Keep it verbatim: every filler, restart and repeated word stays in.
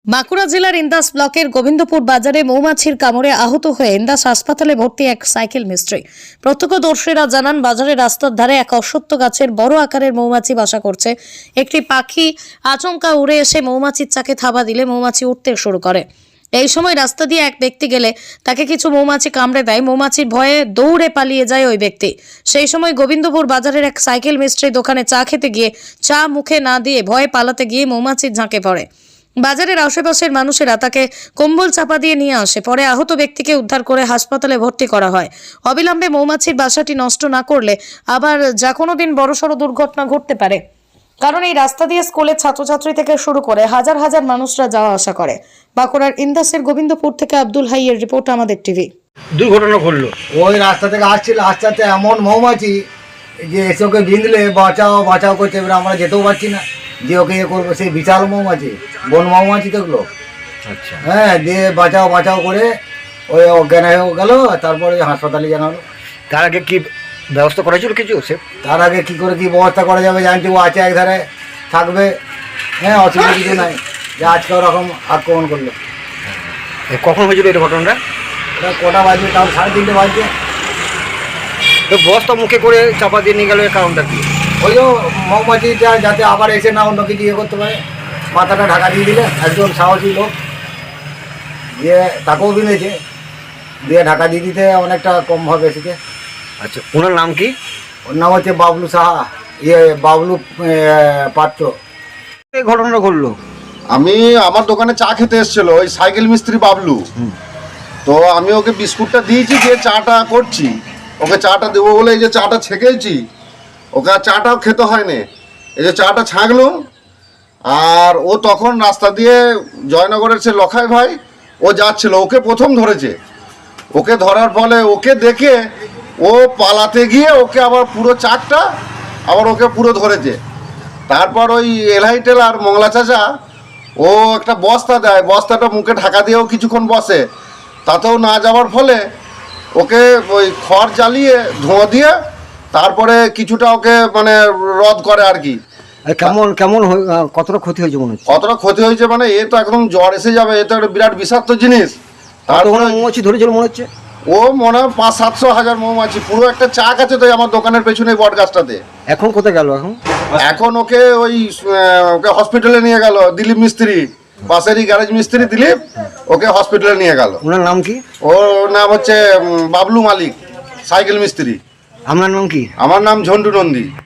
বাঁকুড়া জেলার ইন্দাস ব্লকের গোবিন্দপুর বাজারে মৌমাছির কামড়ে আহত হয়ে ইন্দাস হাসপাতালে ভর্তি এক সাইকেল মিস্ত্রি। প্রত্যক্ষদর্শীরা জানান, বাজারের রাস্তার ধারে এক অশ্বত্থ গাছের বড় আকারের মৌমাছি বাসা করছে। একটি পাখি আচমকা উড়ে এসে মৌমাছির চাকে থাবা দিলে মৌমাছি উঠতে শুরু করে। এই সময় রাস্তা দিয়ে এক ব্যক্তি গেলে তাকে কিছু মৌমাছি কামড়ে দেয়। মৌমাছির ভয়ে দৌড়ে পালিয়ে যায় ওই ব্যক্তি। সেই সময় গোবিন্দপুর বাজারের এক সাইকেল মিস্ত্রি দোকানে চা খেতে গিয়ে চা মুখে না দিয়ে ভয়ে পালাতে গিয়ে মৌমাছির ঝাঁকে পড়ে। বাজারের আশেপাশের মানুষেরা তাকে কম্বল চাপা দিয়ে নিয়ে আসে। পরে আহত ব্যক্তিকে উদ্ধার করে হাসপাতালে ভর্তি করা হয়। অবিলম্বে মৌমাছির বাসাটি নষ্ট না করলে আবার যা কোনো দিন বড়সড় দুর্ঘটনা ঘটতে পারে, কারণ এই রাস্তা দিয়ে স্কুলের ছাত্রছাত্রী থেকে শুরু করে হাজার হাজার মানুষরা যাওয়া আসা করে। বাঁকুড়ার ইন্দাসের গোবিন্দপুর থেকে আব্দুল হাইয়ের রিপোর্ট, আমাদের টিভি। দুর্ঘটনা ঘটলো, ওই রাস্তা থেকে আসছিল, আস্তে আস্তে এমন মৌমাছি যে এসে ওকে বিঁধলে বাঁচাও বাঁচাও করছে। এবার আমরা যেতেও পারছি না, যে ওকে ইয়ে করবো। সেই বিশাল মৌমাছি, বন মৌমাছি দেখলো। আচ্ছা, হ্যাঁ, দিয়ে বাঁচাও বাঁচাও করে ওই অজ্ঞান হয়ে গেল। তারপরে হাসপাতালে জানালো। তার আগে কি ব্যবস্থা করা ছিল কিছু? সে তার আগে কি করে কি ব্যবস্থা করা যাবে, জানছি ও আছে একধারে থাকবে। হ্যাঁ, অসুবিধা কিছু নাই যে আজকে ওরকম আক্রমণ করলো। এ কখন হয়েছিল এটা ঘটনাটা? ওটা কটা বাজবে? তাও সাড়ে তিনটে বাজছে। তো বস্তা মুখে করে চাপা দিয়ে নিয়ে গেল, এর কারণটা কি? ওই যে মৌমাছিটা যাতে আবার এসে না অন্য কিছু ইয়ে করতে পারে, মাথাটা ঢাকা দিয়ে দিলে। একজন সাহসী লোক দিয়ে তাকেও বিনেছে, দিয়ে ঢাকা দিয়ে দিতে অনেকটা কম ভাবে এসেছে। আচ্ছা, ওনার নাম কি? ওর নাম হচ্ছে বাবলু সাহা, ইয়ে বাবলু এ, পাত্র। এই ঘটনাটা ঘটলো। আমি আমার দোকানে চা খেতে এসেছিল ওই সাইকেল মিস্ত্রি বাবলু। তো আমি ওকে বিস্কুটটা দিয়েছি, যে চাটা করছি ওকে চাটা দেবো বলে এই যে চাটা ছেঁকেছি, ওকে আর চাটাও খেতে হয়নি। এই যে চাটা ছাঁকলুম, আর ও তখন রাস্তা দিয়ে জয়নগরের সে লখাই ভাই ও যাচ্ছিল, ওকে প্রথম ধরেছে। ওকে ধরার ফলে ওকে দেখে ও পালাতে গিয়ে ওকে আবার পুরো চাকটা আবার ওকে পুরো ধরেছে। তারপর ওই এলহাই টেলার মংলা চাচা ও একটা বস্তা দেয়, বস্তাটা মুখে ঢাকা দিয়েও কিছুক্ষণ বসে, তাতেও না যাওয়ার ফলে ওকে ওই খড় জ্বালিয়ে ধোঁয়া দিয়ে তারপরে কিছুটা ওকে মানে রদ করে আর কি। আর কেমন কেমন হয়ে- আহ, কতটা ক্ষতি হয়েছে মনে হচ্ছে? কতটা ক্ষতি হয়েছে মানে এ তো একদম জ্বর এসে যাবে, এ তো একটা বিরাট বিষাক্ত জিনিস। তারপরে তারপরে মৌমাছি ধরেছিল মনে হচ্ছে। ও মনে হয় পাঁচ সাতশো হাজার মৌমাছি, পুরো একটা চাক আছে তো আমার দোকানের পেছনে বট গাছটাতে। এখন কোথায় গেল এখন? এখন ওকে ওই আহ, ওকে হসপিটালে নিয়ে গেল দিলীপ মিস্ত্রি, পাশেরই গ্যারেজ মিস্ত্রি দিলীপ, ওকে হসপিটালে নিয়ে গেল। ওনার নাম কি? ওর নাম হচ্ছে উম, বাবলু মালিক, সাইকেল মিস্ত্রি। আপনার নাম কি? আমার নাম ঝন্টু নন্দী।